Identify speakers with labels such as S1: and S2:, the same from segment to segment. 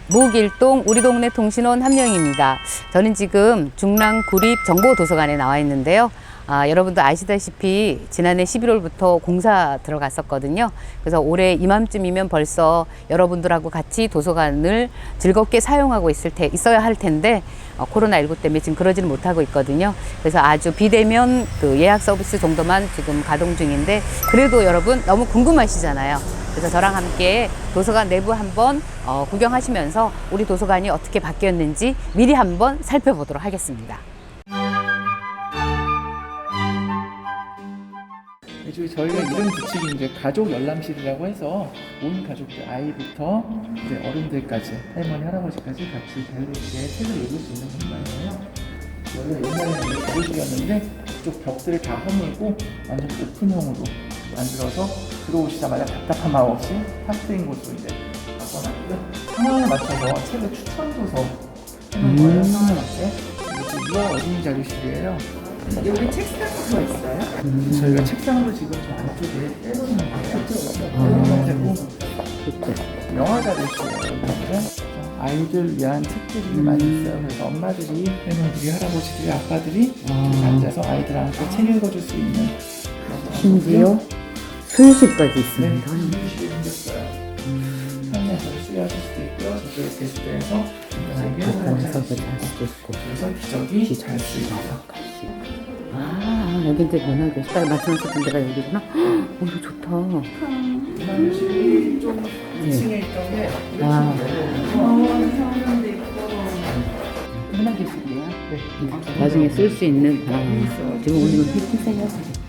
S1: 무길동 우리 동네 통신원 함영입니다. 저는 지금 중랑구립정보도서관에 나와 있는데요. 여러분도 아시다시피 지난해 11월부터 공사 들어갔었거든요. 그래서 올해 이맘쯤이면 벌써 여러분들하고 같이 도서관을 즐겁게 사용하고 있어야 할 텐데 코로나19 때문에 지금 그러지는 못하고 있거든요. 그래서 아주 비대면 그 예약 서비스 정도만 지금 가동 중인데 그래도 여러분 너무 궁금하시잖아요. 그래서 저랑 함께 도서관 내부 한번 구경하시면서 우리 도서관이 어떻게 바뀌었는지 미리 한번 살펴보도록 하겠습니다.
S2: 저희가 이런 규칙이 이제 가족 열람실이라고 해서 온 가족들 아이부터 이제 어른들까지 할머니 할아버지까지 같이 자유롭게 책을 읽을 수 있는 공간이에요. 원래 옛날에는 자료실이었는데 그쪽 벽들을 다 허물고 완전 오픈형으로 만들어서 들어오시자마자 답답한 마음 없이 탁트인 곳으로 이제 바꿔놨고요. 상황에 맞춰서 책을 추천 도서 해놓은 거예요. 상황에 맞게. 이게 유아 어린이 자료실이에요. 여기 책상도 있어요? 저희가 책상도 지금 저 안쪽에 빼놓는 거예요. 되고 영화 자료실이에요. 아이들 위한 책들이 많이 있어요. 그래서 엄마들이, 할머니들이, 할아버지들이, 아빠들이 앉아서 아이들한테 책 읽어줄 수 있는
S1: 심지어 수유실까지 있습니다.
S2: 네, 수유실이 생겼어요. 편의에서 수유하실 수도 있고요. 저쪽에 게스트에서
S1: 바닥에서도 잘 수도 있고.
S2: 그래서 기저귀 잘 수 있어요.
S1: 여기 이제 문화교실 말씀하셨던 데가 여기구나. 이거 좋다.
S2: 문화교실이 좀 2층에 있던 게
S1: 문화교실이에요? 네. 나중에 쓸 수 있는 지금 우리는 힐팅세요.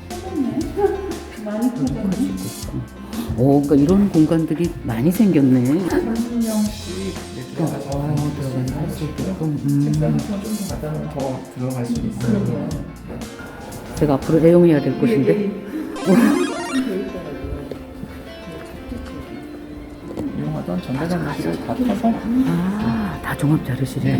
S1: 많이 커지고. 그러니까 이런 공간들이 많이 생겼네.
S2: 30명씩 들어가서 할 수 있고요. 책상 좀더 갖다 놓으면 더 들어갈 수 있어요.
S1: 제가 앞으로 애용해야 될 곳인데.
S2: 이용하던 전자장실을 다 타서
S1: 다 종합자료실이에요.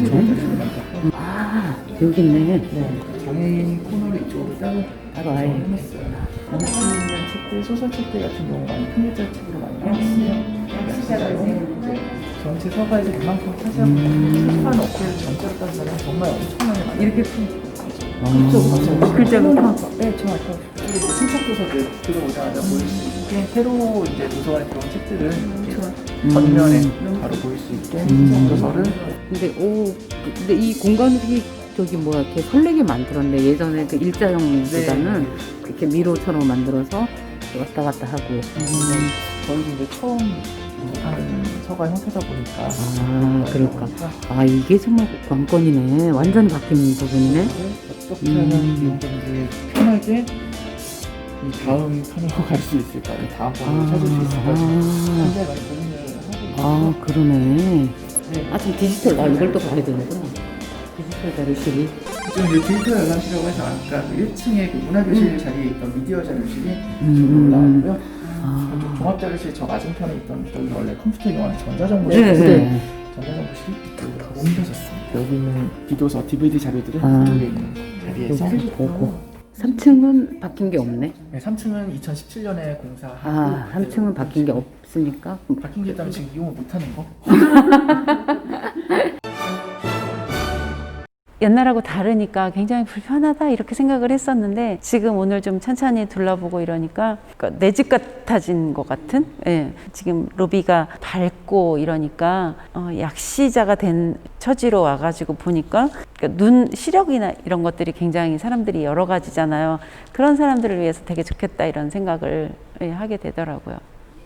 S2: 네,
S1: 여기 있네.
S2: 네, 장애인 코너를 이쪽으로 따로
S1: 아예
S2: 해놨어요. 원하시는 책들, 소설책들 같은 경우 많이 큰 글자 책으로 많이 나왔어요. 전체 서가에서 그만큼 타시하고 출판 업체를 전체로 따지면 정말 엄청나게 많이 이렇게 그렇죠.
S1: 글자부터?
S2: 네, 정확하게. 그리고 신청 도서들 들어오자마자 보일 수 있게 새로 이제 도서관에 들어온 책들은 전면에 바로 보일 수 있게 신청 도서를.
S1: 근데 이 공간이 이렇게 설레게 만들었네. 예전에 그 일자형보다는 이렇게 미로처럼 만들어서 왔다 갔다 하고.
S2: 저희도 이제 처음 하는 서가 형태다 보니까.
S1: 그럴까. 이게 정말 관건이네. 완전히 바뀐 부분이네.
S2: 어떻게 하면 이용자들이 편하게 이 다음 칸으로 갈 수 있을까? 다음 번호를 찾을 수 있을까? 굉장히 많이 고민을 하고 있어요.
S1: 그러네.
S2: 네.
S1: 지금 디지털, 이걸 또 봐야 되는구나. 디지털 자료실이.
S2: 지금 이제 디지털 열람실이라고 해서 아까 그 1층에 그 문화교실 자리에 있던 미디어 자료실이 올라왔고요. 그쪽 종합자료실 저 맞은편에 있던 저기 원래 컴퓨터 이용하는 전자정보실, 전자정보실이 옮겨졌습니다. 여기는 비도서, DVD 자료들은 이쪽에 있는 자리에서
S1: 보고. 3층은 바뀐 게 없네.
S2: 네, 3층은 2017년에 공사하고
S1: 3층은 바뀐 게 없으니까.
S2: 바뀐 게 있다면 지금 이용을 못하는 거?
S3: 옛날하고 다르니까 굉장히 불편하다 이렇게 생각을 했었는데 지금 오늘 좀 천천히 둘러보고 이러니까 내 집 같아진 것 같은 지금 로비가 밝고 이러니까 약시자가 된 처지로 와가지고 보니까 눈 시력이나 이런 것들이 굉장히 사람들이 여러 가지잖아요. 그런 사람들을 위해서 되게 좋겠다 이런 생각을 하게 되더라고요.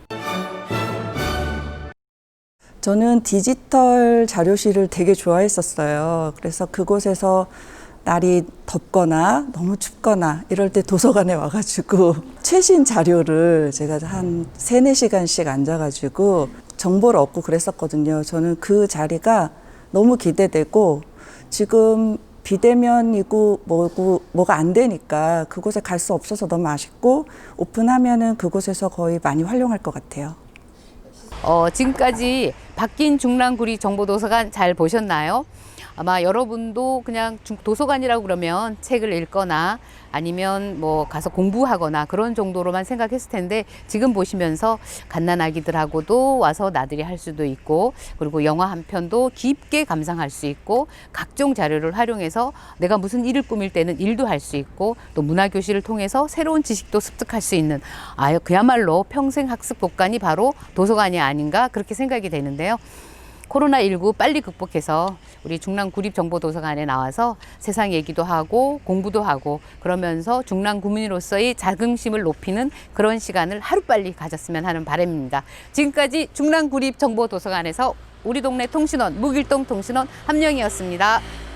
S4: 저는 디지털 자료실을 되게 좋아했었어요. 그래서 그곳에서 날이 덥거나 너무 춥거나 이럴 때 도서관에 와가지고 최신 자료를 제가 한 3-4시간씩 앉아가지고 정보를 얻고 그랬었거든요. 저는 그 자리가 너무 기대되고 지금 비대면이고 뭐가 안 되니까 그곳에 갈 수 없어서 너무 아쉽고 오픈하면은 그곳에서 거의 많이 활용할 것 같아요.
S1: 지금까지 바뀐 중랑구리 정보도서관 잘 보셨나요? 아마 여러분도 그냥 도서관이라고 그러면 책을 읽거나 아니면 뭐 가서 공부하거나 그런 정도로만 생각했을 텐데 지금 보시면서 갓난아기들하고도 와서 나들이 할 수도 있고 그리고 영화 한 편도 깊게 감상할 수 있고 각종 자료를 활용해서 내가 무슨 일을 꾸밀 때는 일도 할 수 있고 또 문화교실을 통해서 새로운 지식도 습득할 수 있는 그야말로 평생 학습 복간이 바로 도서관이 아닌가 그렇게 생각이 되는데요. 코로나19 빨리 극복해서 우리 중랑구립정보도서관에 나와서 세상 얘기도 하고 공부도 하고 그러면서 중랑구민으로서의 자긍심을 높이는 그런 시간을 하루빨리 가졌으면 하는 바람입니다. 지금까지 중랑구립정보도서관에서 우리 동네 통신원 무길동 통신원 함영이었습니다.